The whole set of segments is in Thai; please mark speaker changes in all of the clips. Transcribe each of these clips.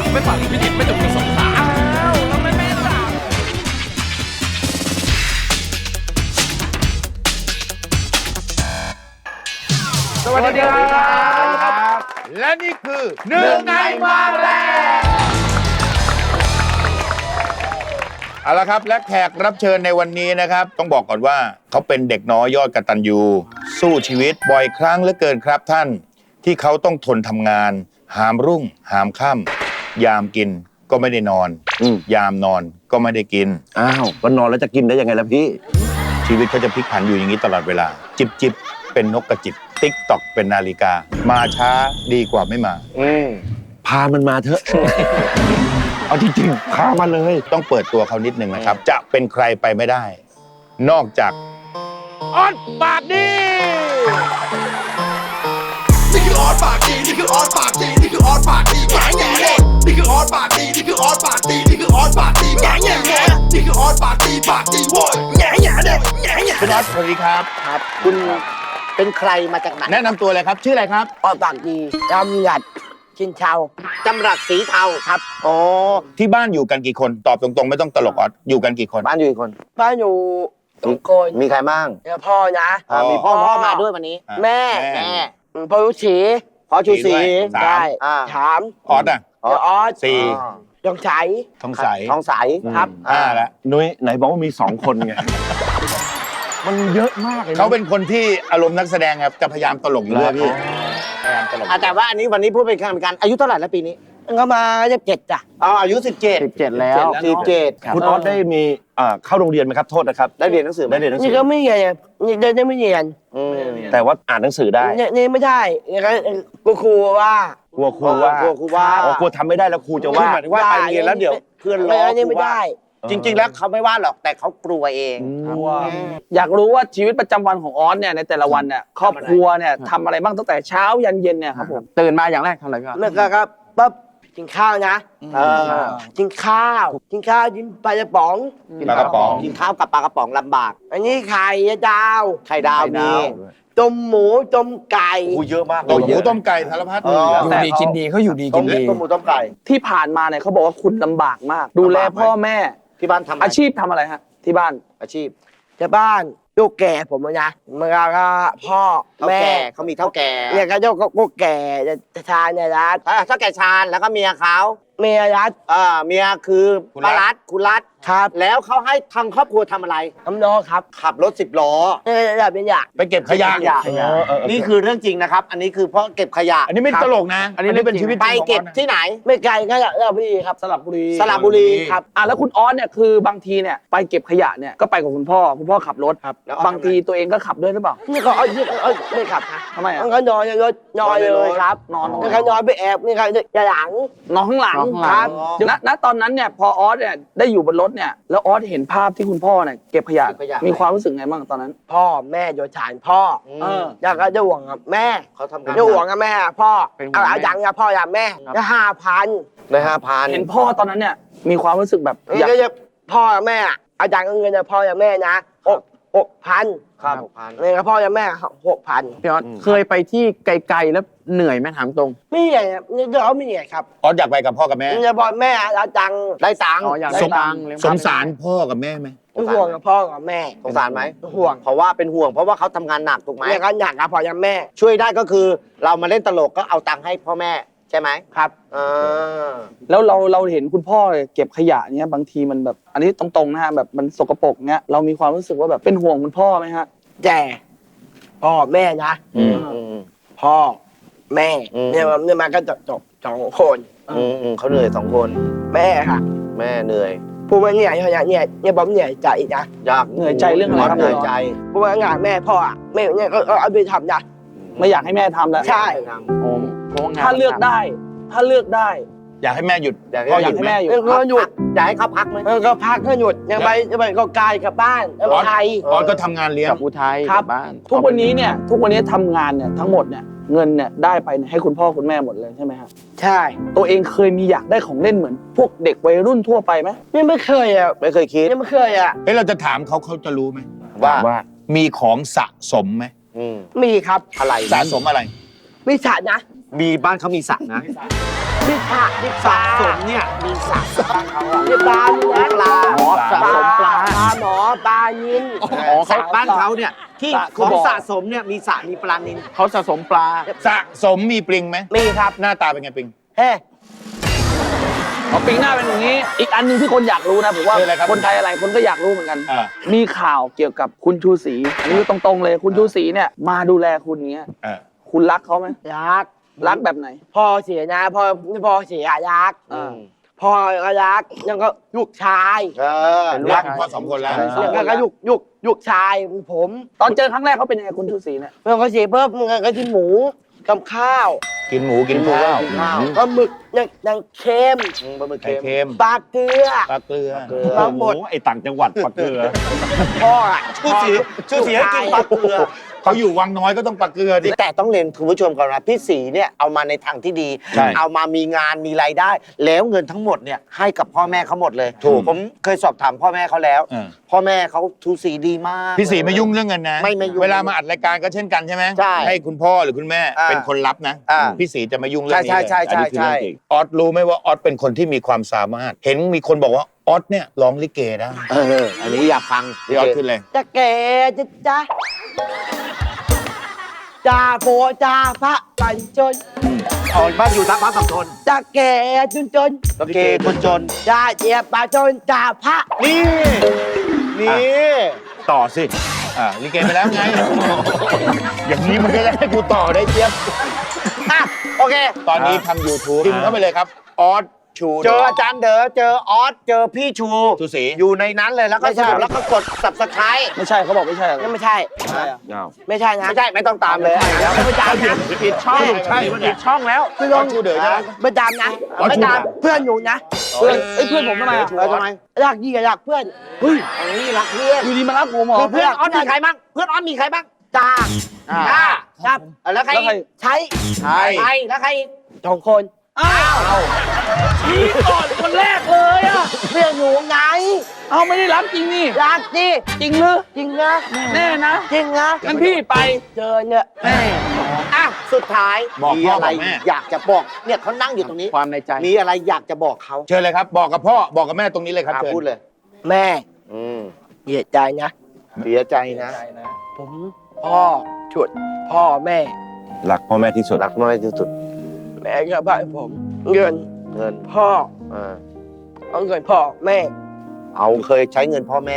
Speaker 1: ไม่ฝังพิจิตรไม่จบกับสงขลาอ้าวแล้วไม่แม่ล่ะ
Speaker 2: สวัสดีครับ
Speaker 3: และนี่คือหนึ่งในมาแรงเอาละครับและแขกรับเชิญในวันนี้นะครับต้องบอกก่อนว่าเขาเป็นเด็กน้อยยอดกตัญญูสู้ชีวิตบ่อยครั้งเหลือเกินครับท่านที่เขาต้องทนทำงานหามรุ่งหามค่ำยามกินก็ไม่ได้นอนยามนอนก็ไม่ได้กิน
Speaker 2: อ้าววันนอนแล้วจะกินได้ยังไงล่ะพี่
Speaker 3: ชีวิตเขาจะพลิกผันอยู่อย่างนี้ตลอดเวลาจิบจิบเป็นนกกระจิบติ๊กตอกเป็นนาฬิกามาช้าดีกว่าไม่มา
Speaker 2: พามันมาเถอะ เอาจริงๆพามาเลย
Speaker 3: ต้องเปิดตัวเขานิดหนึ่งนะครับจะเป็นใครไปไม่ได้นอกจากออสปากดี
Speaker 4: นี่คือออสปากดีนี่คือออสปากดีนี่คือออสปากดีแง่แง่เลยนี่คือออสปากดีนี่คือออสปากดีนี่คือออสปากดีแง่แง่แง่นี่คือออสปากดีโว้ยแง่แง่เลยแง่แง่
Speaker 3: คุณออสสวัสดีครับ
Speaker 5: ครับคุณเป็นใครมาจากไหน
Speaker 3: แนะนำตัวเลยครับชื่ออะไรครับ
Speaker 5: ออสปากดีจำหยัดชินเชาจำรัดสีเทาครับ
Speaker 3: อ๋อที่บ้านอยู่กันกี่คนตอบตรงๆไม่ต้องตลกออสอยู่กันกี่คน
Speaker 5: บ้านอยู่กี่คนบ้านอยู่2 คน
Speaker 2: มีใครบ้าง
Speaker 5: พ่อนะ
Speaker 2: มีพ่อมาด้วยวันนี้
Speaker 5: แม่พ่อยุชี
Speaker 2: พ่อชูศรี
Speaker 5: ใช่ถาม
Speaker 3: ออสอ่ะ
Speaker 5: ออส
Speaker 3: 4
Speaker 5: ทองใส
Speaker 3: ทองใส
Speaker 5: ครับ
Speaker 3: 5แล้ว
Speaker 2: นุ้ยไหนบอกว่ามี2 คนไงมันเยอะมากเลย
Speaker 3: เขาเป็นคนที่อารมณ์นักแสดงครับจะพยายามตลกอยู่เรื่อยพี่
Speaker 5: พยายามตลกแต่ว่าอันนี้วันนี้พูดเป็นการอายุเท่าไหร่แล้วปีนี้ก็มา17จ้ะ
Speaker 2: อายุ17แล้ว17คุณออสได้มีเข้าโรงเรียนไหมครับโทษนะครับได้เรียนหนังสือ
Speaker 5: นี่ก็ไม่เรียนนี่ได้ไม่เรียน
Speaker 2: แต่ว่าอ่านหนังสือได้
Speaker 5: นี่ไม่ได้ก็ครูว่าก
Speaker 2: ลัวครูว่ากลัวทำไม่ได้แล้วครูจะว่าหมายถึงว่าไปเรียนแล้วเดี๋ยวเพื่อนล้อครูว่า
Speaker 5: จริงๆแล้วเขาไม่ว่าหรอกแต่เขากลัวเอง
Speaker 6: อยากรู้ว่าชีวิตประจำวันของออสเนี่ยในแต่ละวันเนี่ยครอบครัวเนี่ยทำอะไรบ้างตั้งแต่เช้ายันเย็นเนี่ยครับผมตื่นมาอย่างแรกทำอะไรครับ
Speaker 5: เมื่อกี้ครับปั๊บกินข้าวนะกินข้าวกินปลากระป๋อง
Speaker 2: กินข้าวกับปลากระป๋องลำบาก
Speaker 5: อันนี้ไข่ดาว
Speaker 2: มี
Speaker 5: ต้มหมูต้มไก่
Speaker 2: เยอะมาก
Speaker 3: ต้มหมูต้มไก่สารพัด
Speaker 6: อยู่ดีกินดีเขาอยู่ดีกินดี
Speaker 2: ต้มหมูต้มไก่
Speaker 6: ที่ผ่านมาเนี่ยเขาบอกว่าคุณลำบากมากดูแลพ่อแม่
Speaker 2: ที่บ้านทำ
Speaker 6: อาชีพทำอะไรฮะที่บ้าน
Speaker 2: อาชีพ
Speaker 5: ที่บ้านลูกแก่ผมนะเมื่อก็พ่อแม่
Speaker 2: เขามีเท่าแก่
Speaker 5: เนี่ยก็ลูกแก่จะทานเนี่ยรัฐ
Speaker 2: เท่าแก่ชาญแล้วก็เมียเขา
Speaker 5: เมียรัฐ
Speaker 2: เมียคือป้ารัฐคุณรัฐ
Speaker 5: ครับ
Speaker 2: แล้วเขาให้ทางครอบครัวทำอะไร
Speaker 5: ทำล้อครับ
Speaker 2: ขับรถ10 ล้อ
Speaker 3: ไปเก็บขยะ
Speaker 2: นี่คือเรื่องจริงนะครับอันนี้คือเพราะเก็บขยะ
Speaker 3: อันนี้ไม่ตลกนะอันนี้เป็นชีวิต
Speaker 2: ไปเก็บที่ไหน
Speaker 5: ไม่ไกลก็สระบุรีครับ
Speaker 6: สระบุ
Speaker 2: รี
Speaker 6: ครับแล้วคุณออสเนี่ยคือบางทีเนี่ยไปเก็บขยะเนี่ยก็ไปกับคุณพ่อขับรถครับบางทีตัวเองก็ขับด้วยหรือเปล่า
Speaker 5: นี่ก็ไม่ขับนะ
Speaker 6: ทำไม
Speaker 5: ก็นอนในรถนอนเลยครับนี่ก็นอนไปแอบนี่ก็จะหลัง
Speaker 6: นอนข้างหลัง
Speaker 5: ครับ
Speaker 6: ณตอนนั้นเนี่ยพอออสเนี่ยได้อยู่บนรถเนี่ยแล้วออสเห็นภาพที่คุณพ่อเนี่ยเก็บขยะมีความรู้สึกไงบ้างตอนนั้น
Speaker 5: พ่อแม่โดยฐานพ่ออยากจะห่วงกับแม่
Speaker 2: เขาทำงาน
Speaker 5: จะห่วงกับแม่พ่อเอาอย่างกับพ่ออย่างแม่จะ5,000
Speaker 2: ได้5,000
Speaker 6: เห็นพ่อตอนนั้นเนี่ยมีความรู้สึกแบบ
Speaker 5: อยากจะพ่อแม่อาจารย์เงินจะพ่อกับแม่นะ6,000
Speaker 2: ครับ
Speaker 5: 6,000เนี่ยพ่อกับแม่6,000
Speaker 6: พี่ออสเคยไปที่ไกลๆแล้วเหนื่อยไหมถามตรง
Speaker 5: ไม่เหนื่อยเราไม่เหนื่อยครับ
Speaker 3: ออสอยากไปกับพ่อกับแม่
Speaker 5: จะบอกแม่อาจารย์ได้ตังค์
Speaker 3: สงสารพ่อกับแม่ไหม
Speaker 5: ห่วงกับพ่อกับแม่
Speaker 2: สงสารไหม
Speaker 5: ห่วง
Speaker 2: เพราะว่าเป็นห่วงเพราะว่าเขาทำงานหนักถูกไหม
Speaker 5: เนี่ยเขาหนักกับพ่อกับแม่
Speaker 2: ช่วยได้ก็คือเรามาเล่นตลกก็เอาตังค์ให้พ่อแม่ใช่ไหม
Speaker 5: ครับ
Speaker 6: แล้วเราเห็นคุณพ่อเก็บขยะเนี้ยบางทีมันแบบอันนี้ตรงๆนะฮะแบบมันสกปรกเนี้ยเรามีความรู้สึกว่าแบบเป็นห่วงคุณพ่อไหมฮะ
Speaker 5: แต่พ่อแม่นะพ่อแม่เนี่ยมันก็จบ2 คน
Speaker 2: เขาเหนื่อย2 คน
Speaker 5: แม่ค่ะ
Speaker 2: แม่เหนื่อย
Speaker 5: พูดว่าเหนื่อยเนี่ยผมเหนื่อยใจนะ
Speaker 2: อยาก
Speaker 6: เหนื่อยใจเรื่องอะไรครับ
Speaker 2: เหนื่อยใจ
Speaker 5: พูดว่างานแม่พ่อแม่เนี่ยก็เอาไปทำนะ
Speaker 6: ไม่อยากให้แม่ทำแล้ว
Speaker 5: ใช่
Speaker 6: ถ้าเลือกได้
Speaker 3: อยากให้แม่หยุด
Speaker 6: อยากให้แม่หยุด
Speaker 5: ก็หยุด
Speaker 2: อยากให้เขาพักไหม
Speaker 5: ก็พักก็หยุดยังไปก็กายกับบ้านอุทัย
Speaker 3: ออสก็ทำงานเลี้ยง
Speaker 6: กับอุทัยกับบ้านทุกวันนี้ทำงานเนี่ยทั้งหมดเนี่ยเงินเนี่ยได้ไปให้คุณพ่อคุณแม่หมดเลยใช่ไหมครับ
Speaker 5: ใช่
Speaker 6: ตัวเองเคยมีอยากได้ของเล่นเหมือนพวกเด็กวัยรุ่นทั่วไปไหม
Speaker 5: ไม่เคย
Speaker 2: ไม่เคยคิด
Speaker 5: ไม่เคย
Speaker 3: เราจะถามเขาจะรู้ไหม
Speaker 2: ว่า
Speaker 3: มีของสะสมไหม
Speaker 5: มีครับ
Speaker 2: อะไร
Speaker 3: สะสมอะไร
Speaker 5: มีสัตว์นะ
Speaker 2: มีบ้านเขามีสระนะ
Speaker 5: มีปลามีป
Speaker 2: สระ
Speaker 5: ลา
Speaker 2: สมเนี่ยมีสระบ้านเขาอะ
Speaker 5: มีปลามี
Speaker 2: มีปลา
Speaker 6: อ๋อสะสมปลา
Speaker 5: ปลาหมอปลายิน
Speaker 2: สระบ้านเขาเนี่ยที่
Speaker 6: สระ
Speaker 2: ของ
Speaker 6: บ่อ
Speaker 2: สะสมเนี่ยมีสระมีปลานิล
Speaker 6: เขาสะสมปลา
Speaker 3: สะสมมีปลิงไหม
Speaker 5: มีครับ
Speaker 3: หน้าตาเป็นไงปลิง
Speaker 5: เฮ้
Speaker 6: เขาปิงหน้าเป็นอย่างนี้ อีกอันหนึงที่คนอยากรู้นะผมว่า
Speaker 3: คืออะไรครับ
Speaker 6: คนไทยอะไรคนก็อยากรู้เหมือนกัน
Speaker 3: อ่า
Speaker 6: มีข่าวเกี่ยวกับคุณชูศรีอันนี้ตรงๆเลยคุณชูศรีเนี่ยมาดูแลคุณเงี้ย
Speaker 3: อ่า
Speaker 6: คุณรักเขาไหม
Speaker 5: ยักษ์
Speaker 6: รักแบบไหน
Speaker 5: พ่อเสียนะพ่อเสียยักษ์
Speaker 6: อ่า
Speaker 5: พ่อก็ยักษ์ยังก็ลูกชาย
Speaker 3: เป็นรักพ่อสองคนแล้ว
Speaker 5: ยังก็ลูกชายผม
Speaker 6: ตอนเจอครั้งแรกเขาเป็นยังไงคุณชูศรีเนี่ย
Speaker 5: เมื่อเขาเสียเพิ่มก็กินหมูกับข้าว
Speaker 3: กินหมูกินข้าว
Speaker 5: ปลาหมึกยังเค็ม
Speaker 2: ปลาหมึก
Speaker 3: ไข่
Speaker 2: เค็ม
Speaker 3: เค็ม
Speaker 5: ปลาเกลือ
Speaker 3: ปลาเกลือ
Speaker 5: ปลาหมด
Speaker 2: โอ้โหไอต่างจังหวัดปลาเกลือ
Speaker 5: พ่ออะ
Speaker 2: ชื่อเสียให้กินปลาเกลือ
Speaker 3: เขาอยู่วังน้อยก็ต้องปลาเกลือดิ
Speaker 2: แต่ต้องเรียนคุณผู้ชมก่อนนะพี่ศรีเนี่ยเอามาในทางที่ดี
Speaker 3: ใช่
Speaker 2: เอามามีงานมีรายได้ แล้วเงินทั้งหมดเนี่ยให้กับพ่อแม่เขาหมดเลย
Speaker 3: ถูก
Speaker 2: ผมเคยสอบถามพ่อแม่เขาแล้ว พ่อแม่เขาทูสีดีมาก
Speaker 3: พี่ศรีไม่ยุ่งเรื่องเงินนะ
Speaker 2: ไม่ยุ่ง
Speaker 3: เวลามาอัดรายการก็เช่นกันใช่ไหม
Speaker 2: ใช่
Speaker 3: ให้คุณพ่อหรือคุณแม่
Speaker 2: อ่า
Speaker 3: เป็นคนรับนะ
Speaker 2: อ่า
Speaker 3: พี่ศรีจะไม่ยุ่งเรื่องนี้
Speaker 2: ใช่
Speaker 3: เลย
Speaker 2: ใช่ใช่
Speaker 3: อันนี้คือ
Speaker 2: ใช่
Speaker 3: เรื่องจริงออสรู้ไหมว่าออสเป็นคนที่มีความสามารถ เห็นมีคนบอกว่าออสเนี่ยร้องลิเกได้
Speaker 2: อันนี้อยากฟัง
Speaker 3: พี่ออสขึ้นเลย
Speaker 5: จะแก่จะจ้าจ่าโปจ่าพระปันจน
Speaker 2: อ๋อบ้านอยู่ทับบ้านฝั่งทน
Speaker 5: จะแก่จน
Speaker 2: โอเคคนจน
Speaker 5: จ่าเจียบปาจนจ่าพระ
Speaker 2: นี่ต่อสิ
Speaker 3: ลิเกไปแล้วไง อย่างนี้มันก็จะให้กูต่อได้เจี๊ยบ
Speaker 2: อ่ะโอเค
Speaker 3: ตอนนี้ทำ YouTube พิมพ์เข้าไปเลยครับออสชู
Speaker 2: เจออาจารย์เด๋อเจอออสเจอพี่ชู
Speaker 3: ชูศรี
Speaker 2: อยู่ในนั้นเลยแล้วก็สรุปแล้วก็กด subscribe
Speaker 6: ไม่ใช่เขาบอกไม่ใช่อะไร
Speaker 5: นั่นไม่ใช่ ไม่ใช่นะ
Speaker 2: ไม่ใช่ไม่ต้องตามเลย
Speaker 5: เดี๋ยวไม่ตามนะ
Speaker 2: ปิดช่องใช่ปิดช่องแล้ว
Speaker 5: เพื่อน
Speaker 3: ออสชูเด๋อใช่ไหม
Speaker 5: ไม่ตามนะ
Speaker 3: อ๋อ
Speaker 5: ไม่ตาม
Speaker 3: ชู
Speaker 5: เพื่อนหนูนะ
Speaker 6: เพื่อนเพื่อนผมทำไมอ่ะ
Speaker 2: ทำไม
Speaker 5: รักยี่กับรักเพื่อน
Speaker 6: เฮ้ย
Speaker 2: อันนี้รักเพื่อน
Speaker 6: อยู่ดีมารักผมเหรอ
Speaker 2: เพื่อนออสมีใครบ้างเพื่อนออสมีใครบ้าง
Speaker 5: จ่า
Speaker 2: ครับ แล้วใคร
Speaker 6: แล้วใคร
Speaker 5: ใช้
Speaker 2: ใครแล้วใคร
Speaker 5: สองคน
Speaker 6: อ้าวชี้ก่อนคนแรกเลยอ่ะ
Speaker 5: เพื่อนหนูไง
Speaker 6: เอาไม่ได้รักจริงนี่
Speaker 5: รักดิ
Speaker 6: จริงหรือ
Speaker 5: จริงนะ
Speaker 6: แน่นะ
Speaker 5: จริงนะ
Speaker 6: งั้นพี่ไป
Speaker 5: เจอเนี่ย
Speaker 6: แม่
Speaker 2: อ่ะสุดท้าย
Speaker 3: บอก
Speaker 2: มี
Speaker 3: พ่อ
Speaker 2: อะไร
Speaker 3: บอกแม่
Speaker 2: อยากจะบอกเนี่ยเขานั่งอยู่ตรงนี้
Speaker 6: ความในใจ
Speaker 2: มีอะไรอยากจะบอกเขา
Speaker 3: เชิญเลยครับ บอกกับพ่อบอกกับแม่ตรงนี้เลยครับเชิญ
Speaker 2: พูดเลย
Speaker 5: แม่
Speaker 2: อืม
Speaker 5: เสียใจนะ
Speaker 2: เสียใจนะ
Speaker 5: ผมพ่อฉุดพ่อแม่
Speaker 2: รักพ่อแม่ที่สุดรักพ่อแม่ที่สุด
Speaker 5: แม่ก็บ้านผมเงิน
Speaker 2: เงิน
Speaker 5: พ่อ
Speaker 2: อ่า
Speaker 5: เอาเงินพ่อแม่
Speaker 2: เอาเคยใช้เงินพ่อแม่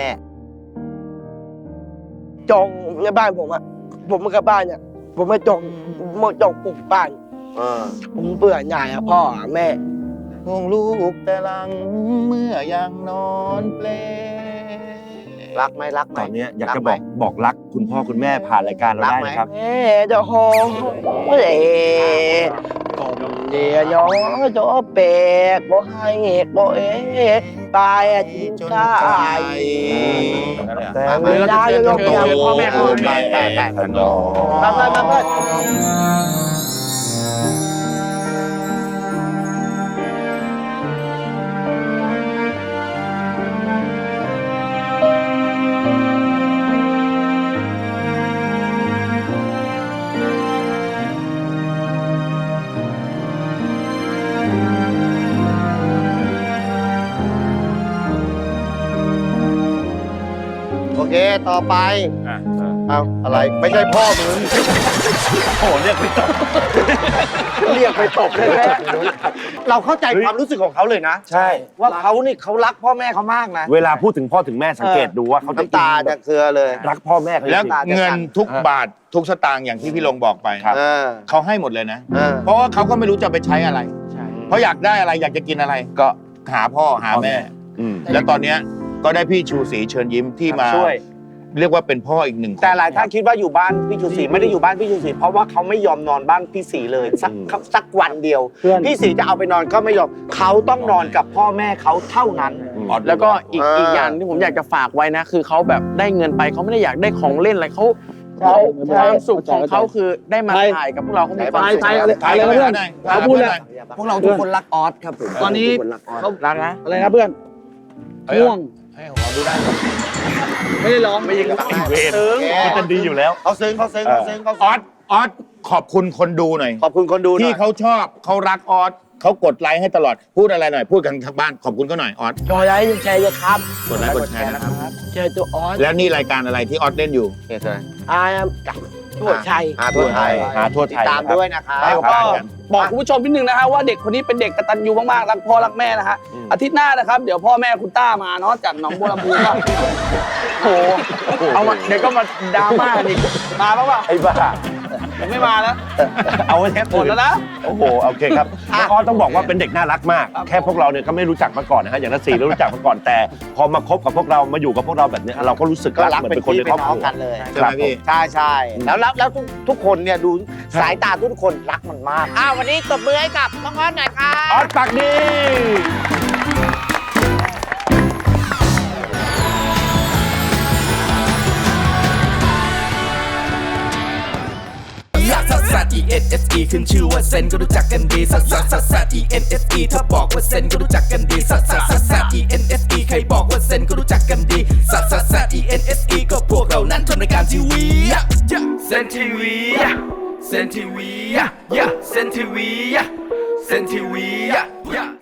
Speaker 5: จองในบ้านผมอะผมมากับบ้านเนี่ยผมมาจองปลูกบ้าน ผมเบื่อหน่ายอะพ่ออะแม่
Speaker 3: ห่วงลูกแต่หลังเมื่อยังนอนเปล
Speaker 2: รักไหมรักไหม
Speaker 7: ตอนเนี้ยอยาก
Speaker 2: รั
Speaker 7: จะ
Speaker 2: ไหม
Speaker 7: บอกรักคุณพ่อคุณแม่ผ่านรายการเรา
Speaker 2: รัก
Speaker 7: ได้
Speaker 2: ไหม
Speaker 7: นะครับ
Speaker 5: แม่เดาโฮเอ๋กงเดียย้อโจเปกโบให้โบเอ๋ตายจินใจแต่ไม่ได้ยก
Speaker 3: โต
Speaker 5: ยำพ่อแม่พ่อแม่
Speaker 3: แต่ถนอม
Speaker 5: มาเพื่อน
Speaker 2: โอเคต่อไปเอาอะไรไม่ใช่พ่อมึง
Speaker 7: โอ้เรียกไม่ตก
Speaker 2: เรียกไปตบเลยแม่เราเข้าใจความรู้สึกของเขาเลยนะ
Speaker 7: ใช่
Speaker 2: ว่าเขานี่เขารักพ่อแม่เขามากนะ
Speaker 7: เวลาพูดถึงพ่อถึงแม่สังเกตดูว่าเขาจะ
Speaker 2: น้ำตาจะเครือเลย
Speaker 7: รักพ่อแม่เขาจ
Speaker 3: แล้ว
Speaker 7: ริง
Speaker 3: เงินทุกบาททุกสตางค์อย่างที่พี่ลงบอกไป
Speaker 7: ครับ
Speaker 3: เขาให้หมดเลยนะ
Speaker 2: เออ
Speaker 3: เพราะว่าเขาก็ไม่รู้จะไปใช้อะไร เพราะอยากได้อะไรอยากจะกินอะไร ก็หาพ่อหาแม่
Speaker 7: อืม
Speaker 3: แล้วตอนเนี้ยก็ได้พี่ชูศรีเชิญยิ้มที่มา
Speaker 2: ช่วย
Speaker 3: เรียกว่าเป็นพ่ออีกหนึ่งคน
Speaker 2: แต่หลายท่านคิดว่าอยู่บ้านพี่ชูศรีไม่ได้อยู่บ้านพี่ชูศรีเพราะว่าเขาไม่ยอมนอนบ้านพี่ศรีเลยสักวันเดียว
Speaker 6: เพื่อน
Speaker 2: พี่ศรีจะเอาไปนอนก็ไม่ยอมเขาต้องนอนกับพ่อแม่เขาเท่านั้น
Speaker 8: แล้วก็อีก
Speaker 2: อ่า
Speaker 8: อีกอย่างที่ผมอยากจะฝากไว้นะ คือเขาแบบได้เงินไปเขาไม่ได้อยากได้ของเล่นอะไรเขา
Speaker 6: ใช่
Speaker 8: ความสุขของเขา
Speaker 6: เข้าใจ
Speaker 8: คือได้มา
Speaker 6: ใช่
Speaker 8: ถ่ายกับพวกเราเขามีความสุข
Speaker 6: ใช่
Speaker 3: ถ่าย
Speaker 6: อะไร
Speaker 3: กัน
Speaker 6: นะ
Speaker 3: ไป
Speaker 6: เพื่อน
Speaker 3: หน่อย
Speaker 6: เขาพูดเลย
Speaker 8: พวกเราทุกคนรักออสครับผม
Speaker 6: ตอนนี้
Speaker 8: เขารักนะ
Speaker 6: อะไรนะเพื่อนง่วง
Speaker 3: ให้ของเราดูได้
Speaker 6: ไม่ได้ร้องไม่ยิง
Speaker 7: เวรมันจะดีอยู่แล้ว
Speaker 2: เขาซึ้ง
Speaker 3: ออสออสขอบคุณคนดูหน่อย
Speaker 2: ขอบคุณคนดูหน่
Speaker 3: ที่
Speaker 2: อย
Speaker 3: เขาชอบเขารักออสเขากดไลค์ให้ตลอดพูดอะไรหน่อยพูดกันทางบ้านขอบคุณเขาหน่อยออส
Speaker 5: จอยไลค์แชร์เลยครับ
Speaker 3: กดไลค์กดแชร์นะครับ
Speaker 5: แชร์ตัวออส
Speaker 3: แล้วนี่รายการอะไรที่ออสเล่นอยู่
Speaker 5: อาร์มทั่วชัย
Speaker 2: ทั่วไทย
Speaker 7: หาทั่วไทย
Speaker 2: ตามด้วยนะครับ
Speaker 6: แล้วก็บอกคุณผู้ชมนิดนึงนะฮะว่าเด็กคนนี้เป็นเด็กกตัญญูมากๆรักพ่อรักแม่นะฮะอาทิตย์หน้านะครับเดี๋ยวพ่อแม่คุณต้ามาเนาะจากหนองบัวลำพูก็โอ้โหเอามาเดี๋ยวก็มาดราม่าอีกมาบ้างเปล่า
Speaker 7: ไอ้บ้า
Speaker 6: ผมไม่มาแล้ว
Speaker 7: เอาไว้แทบ
Speaker 6: หมดแล้วนะ
Speaker 7: โอ้โหโอเคครับน้องออสต้องบอกว่าเป็นเด็กน่ารักมาก แค่พวกเราเนี่ยก็ไม่รู้จักมาก่อนนะฮะอย่างนัทศรีเรารู้จักมาก่อนแต่ พอมาคบกับพวกเรามาอยู่กับพวกเราแบบเนี้ยเราก็รู้สึก
Speaker 2: ก็
Speaker 7: รัก
Speaker 2: รัก
Speaker 7: เหมือน
Speaker 2: เป็
Speaker 7: เป็น นคน
Speaker 2: พี่
Speaker 7: ใน
Speaker 2: เป็
Speaker 7: ครอน บค
Speaker 2: น้อ
Speaker 7: รั
Speaker 2: ง
Speaker 7: ว
Speaker 2: กันเลย
Speaker 3: ใช่ไหมพี่
Speaker 2: ใช่แล้วทุกคนเนี่ยดูสายตาทุกคนรักมันมากวันนี้ตบมือให้กับน้องออสหน่อยครับ
Speaker 7: ออสปากดี
Speaker 4: ลักซัสซัส E N S E ขึ้นชื่อว่าเซนก็รู้จักกันดีซัสซัสซัสซัส E N S E ถ้าบอกว่าเซนก็รู้จักกันดีซัสซัสซัสซัส E N S E ใครบอกว่าเซนก็รู้จักกันดีซัสซัสซัส E N S E ก็พวกเรานั้นทำรายการทีวีเซนทีวีเซนทีวีเซนทีวีเซนทีวี